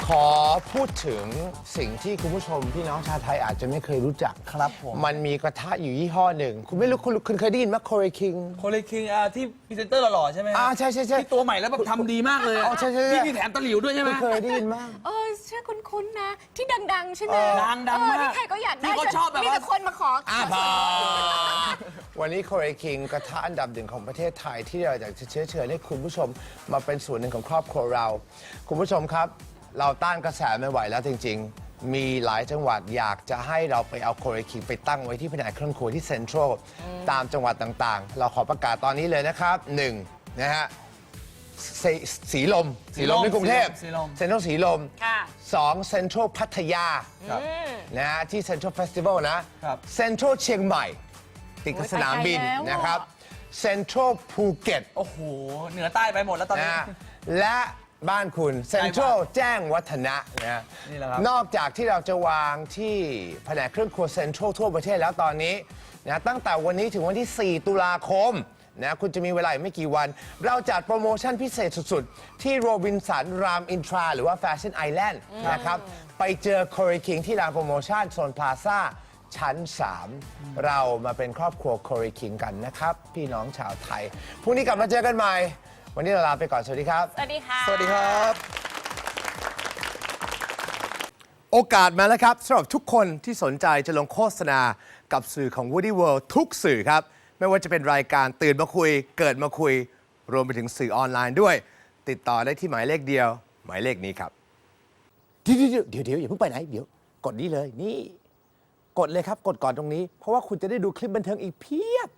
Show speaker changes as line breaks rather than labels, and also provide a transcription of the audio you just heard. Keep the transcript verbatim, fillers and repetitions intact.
ขอพูดถึงสิ่งที่คุณผู้ชมพี่น้องชาวไทยอาจจะไม่เคยรู้จัก
ครับผม
มันมีกระทะอยู่ยี่ห้อหนึ่ง คุณไม่รู้คุณคุณเคยได้ยินไหมโคเรคิง
โคเลคิงอ่าที่พรีเซนเตอร์หล่อๆใช่ไหม
อ่าใช่ใช่ใช่
ที่ตัวใหม่แล้วแบบทำดีมากเลย
อ๋อใช่ใช่ใช่
ที่มีแถมตะหลิวด้วยใช่ไหม
คุณเคยได้ยินมั้ย
เออชื่อคุ้นๆนะ ที่ดังๆ ใช่ไหม
ดังดัง
เออ
มาก
ที่ใครก็อยากได้
ที่เขาชอบแบบว่ามี
มีแต่คนมาขอ
อ่าพอวันนี้โคเรคิงกระทะอันดับหนึ่งของประเทศไทยที่เราอยากจะเชื้อเชิญให้คุณผู้ชมมาเป็นส่วนหนึ่งของครอบครัวเรา คุณผู้ชมครับ เราต้านกระแสไม่ไหวแล้วจริงๆ มีหลายจังหวัดอยากจะให้เราไปเอาโคเรคิงไปตั้งไว้ที่แผนกเครื่องครัวที่เซ็นทรัลตามจังหวัดต่างๆ เราขอประกาศตอนนี้เลยนะครับหนึ่งนะฮะสสีลมสีลมในกรุงเทพ
สีลม
เซ็นทรัลสีลม
ค่ะ
สองเซ็นทรัลพัทยา
ครับ
นะฮะที่เซ็นทรัลเฟสติวัลนะครับ เซ็นทรัลเชียงใหม่ติดกับสนามบิน
โอ้ยไปไกลแล้ว
นะครับเซ็นทรัลภูเก็ต
โอ้โห เหนือใต้ไปหมดแล้วตอน
นะ
นี้
ฮะและบ้านคุณเซ็นทรัลแจ้งวัฒนะนะฮะ
นี่แหละครับ
นอกจากที่เราจะวางที่แผนกเครื่องครัวเซ็นทรัลทั่วประเทศแล้วตอนนี้นะตั้งแต่วันนี้ถึงวันที่ สี่ ตุลาคมนะคุณจะมีเวลาอีกไม่กี่วัน เราจัดโปรโมชั่นพิเศษสุดๆ ที่โรบินสันรามอินทราหรือว่าแฟชั่นไอแลนด์นะครับไปเจอโคเรคิงที่ร้านโปรโมชั่นโซนพลาซ่าชั้น สาม เรามาเป็นครอบครัวโคเรคิงกันนะครับ พี่น้องชาวไทยพรุ่งนี้กลับมาเจอกันใหม่ วันนี้เราลาไปก่อน สวัสดีครับ
สวัสดีค่ะ
สวัสดีครับ
โอกาสมาแล้วครับสำหรับทุกคนที่สนใจจะลงโฆษณากับสื่อของ Woody World ทุกสื่อครับ ไม่ว่าจะเป็นรายการตื่นมาคุย เกิดมาคุย รวมไปถึงสื่อออนไลน์ด้วย ติดต่อได้ที่หมายเลขเดียว หมายเลขนี้ครับ เดี๋ยวเดี๋ยวเดี๋ยวอย่าเพิ่งไปไหน เดี๋ยว กดนี้เลยนี่ กดเลยครับ กดก่อนตรงนี้ เพราะว่าคุณจะได้ดูคลิปบันเทิงอีกเพียบ